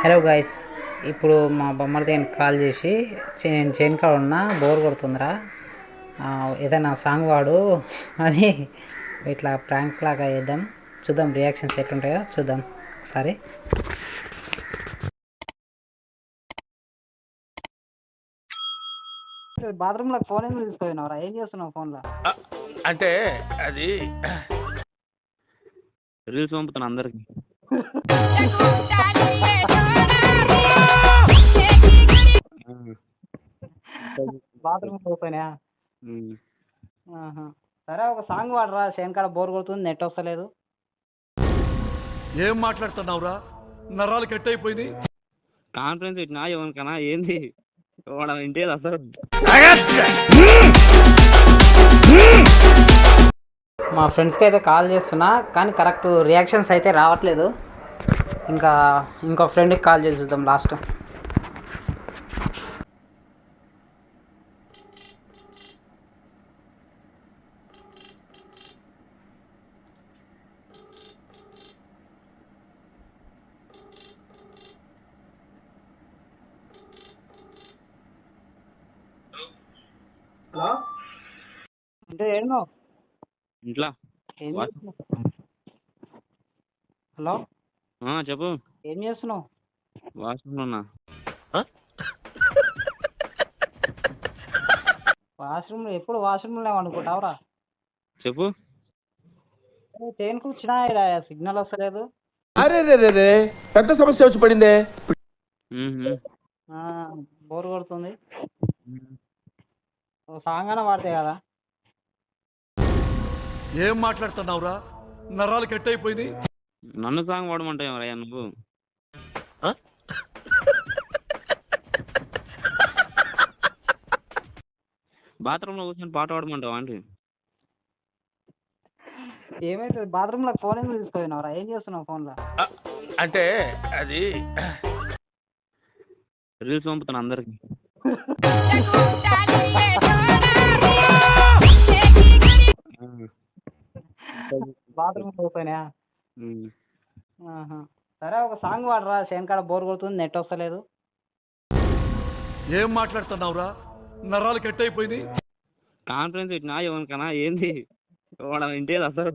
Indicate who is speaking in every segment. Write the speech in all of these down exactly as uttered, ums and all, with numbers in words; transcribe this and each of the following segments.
Speaker 1: Hello guys, ఇప్పుడు మా బొమ్మడికి call చేసి నేను చైన్ కాడ ఉన్నా, బోర్ కొడుతుందిరా, ఏదైనా సాంగ్ వాడు అని ఇట్లా ప్రాంక్ లాగా వేద్దాం. చూద్దాం రియాక్షన్స్ ఎట్లుంటాయో చూద్దాం ఒకసారి. బాత్రూంలో ఫోన్ ఎందుకు తీసుకుపోయినావురా? ఏం చేస్తున్నావు ఫోన్లో?
Speaker 2: అంటే అది
Speaker 3: రీల్స్ పంపుతాను అందరికి.
Speaker 1: బాత్రూమ్ పోయినా? సరే, ఒక సాంగ్ వాడరా, షేన్ కాడ బోర్ కొడుతుంది, నెట్ వస్తలేదు.
Speaker 2: ఏం మాట్లాడుతున్నావురా? నరాలు కట్ అయిపోయింది.
Speaker 3: కాన్ఫరెన్స్ ఇచ్చినా ఎవరికన్నా ఏంది వాడు ఇంటే అసలు.
Speaker 1: మా ఫ్రెండ్స్కి అయితే కాల్ చేస్తున్నా, కానీ కరెక్ట్ రియాక్షన్స్ అయితే రావట్లేదు. ఇంకా ఇంకో ఫ్రెండ్కి కాల్ చేసి చూద్దాం లాస్ట్. హలో, అంటే ఏమో
Speaker 3: ఇంట్లో.
Speaker 1: హలో,
Speaker 3: చెప్పు.
Speaker 1: ఏం చేస్తున్నావు?
Speaker 3: వాష్రూమ్లో ఉన్నా.
Speaker 1: వాష్రూమ్ ఎప్పుడు వాష్రూమ్లో అనుకుంటావురా?
Speaker 3: చెప్పు.
Speaker 1: చైన్ కూర్చున్నా, సిగ్నల్ వస్తలేదు.
Speaker 2: అరే రే రే పెద్ద సమస్య వచ్చి పడిందే.
Speaker 1: బోర్ కొడుతుంది, సాంగ్ అయినా వాడతాయి కదా.
Speaker 2: ఏం మాట్లాడుతున్నావురా? నరాలు కట్ అయిపోయింది.
Speaker 3: నన్ను సాంగ్ వాడమంటావు ఎవరయ్యా నువ్వు? బాత్రూంలో కూర్చొని పాట పాడమంటావా అంటే?
Speaker 1: ఏమైతే బాత్రూంలో ఫోన్ ఎందుకు తీసుకుపోయినావురా? ఏం చేస్తున్నావు ఫోన్లో?
Speaker 2: అంటే అది
Speaker 3: రీల్స్ పంపుతాను అందరికి.
Speaker 1: బాత్రూమ్ పోయినా? సరే, ఒక సాంగ్ వాడరా, షేన్ కాడ బోర్ కొడుతుంది, నెట్ వస్తలేదు.
Speaker 2: ఏం మాట్లాడుతున్నావురా? నరాలు కట్ అయిపోయింది.
Speaker 3: కాన్ఫరెన్స్ ఇచ్చినా ఎవరికన్నా ఏంది వాడు ఇంటే అసలు.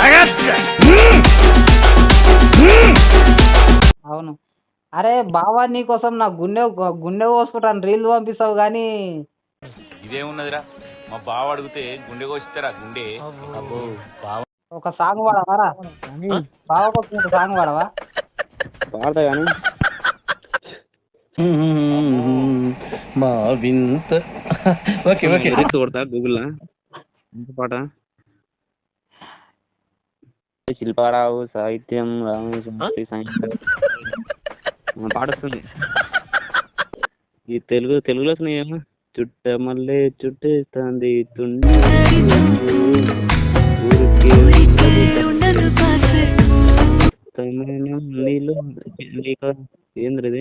Speaker 1: అవును. అరే బావా, నీకోసం నా గుండె గుండె కోసుకుంటాను రీల్ పంపిస్తావు కానీ
Speaker 4: ఇదేమున్నదిరా? మా బావ అడిగితే గుండె కోసిస్తారా? గుండె
Speaker 1: ఒక సాంగ్ వాడవారా? బావ కోసం ఒక సాంగ్ వాడవా?
Speaker 3: పాడతా కానీ
Speaker 4: మా వింత. ఓకే ఓకే
Speaker 3: కొడతా గూగుల్లో. ఎంత పాట? శిల్పారావు సాహిత్యం, రామేశ్వరి సాహిత్యం పాట వస్తుంది. ఈ తెలుగు తెలుగులో వస్తున్నాయేమో. చుట్ట మల్లె చుట్టేస్తుంది తుండి ఏంద్రది?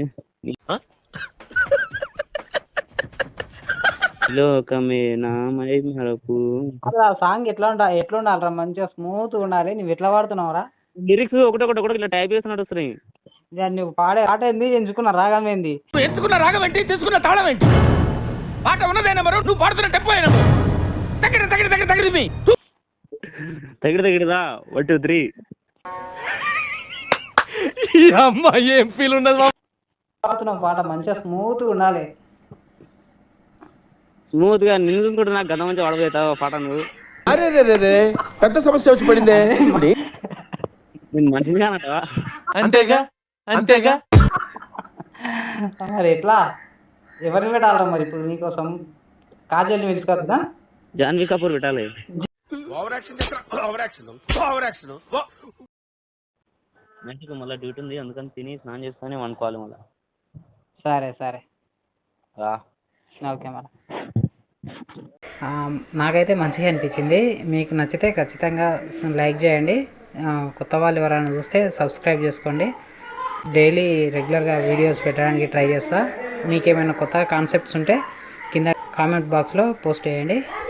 Speaker 3: లోకమే నామై మరపు.
Speaker 1: ఆ సాంగ్ ఎట్లా ఉండాలి? ఎట్లా ఉండాలిరా? మంచిగా స్మూత్ ఉండాలి. నువ్వు ఎట్లా పాడుతున్నావురా?
Speaker 3: లిరిక్స్ ఒకటొకటి ఒకటి ఇట్లా టైప్ చేసి నడుస్తున్నాయి.
Speaker 1: నువ్వు పాడే పాట ఏంది? ఎంచుకున్న రాగం ఏంది?
Speaker 2: ఎంచుకున్న రాగం ఏంటి? తీసుకున్న తాళం ఏంటి? పాట ఉన్నదైనా మరో నువ్వు పాడుతున్న టెంపో అయినా తగిన తగిన తగిన తగిన మీ
Speaker 3: తగిన తగినదా వన్ టూ త్రీ.
Speaker 2: అమ్మా ఏం ఫీల్ ఉన్నది?
Speaker 1: పాడుతున్నావు పాట మంచిగా స్మూత్ ఉండాలి.
Speaker 3: స్మూత్ గా నిన్ను కూడా నాకు గత మంచి వాడబోతావు పాట నువ్వు.
Speaker 2: అరే రే రే పెద్ద సమస్య వచ్చి పడిందే.
Speaker 3: నేను మంచిగా అంటావా?
Speaker 2: అంతేగా అంతేగా.
Speaker 1: మరి ఎట్లా? ఎవరిని పెట్టాలరా మరి ఇప్పుడు నీకోసం? కాజల్ని పెంచుకోవద్దా?
Speaker 3: జాన్వీ కపూర్ పెట్టాలి. మంచిగా మళ్ళీ డ్యూటీ ఉంది, అందుకని తిని స్నానం చేస్తానే వండుకోవాలి మళ్ళీ.
Speaker 1: సరే సరే, ఓకే. మరి నాకైతే మంచిగా అనిపించింది. మీకు నచ్చితే ఖచ్చితంగా లైక్ చేయండి. కొత్త వాళ్ళు ఎవరైనా చూస్తే సబ్స్క్రైబ్ చేసుకోండి. డైలీ రెగ్యులర్గా వీడియోస్ పెట్టడానికి ట్రై చేస్తా. మీకేమైనా కొత్త కాన్సెప్ట్స్ ఉంటే కింద కామెంట్ బాక్స్లో పోస్ట్ చేయండి.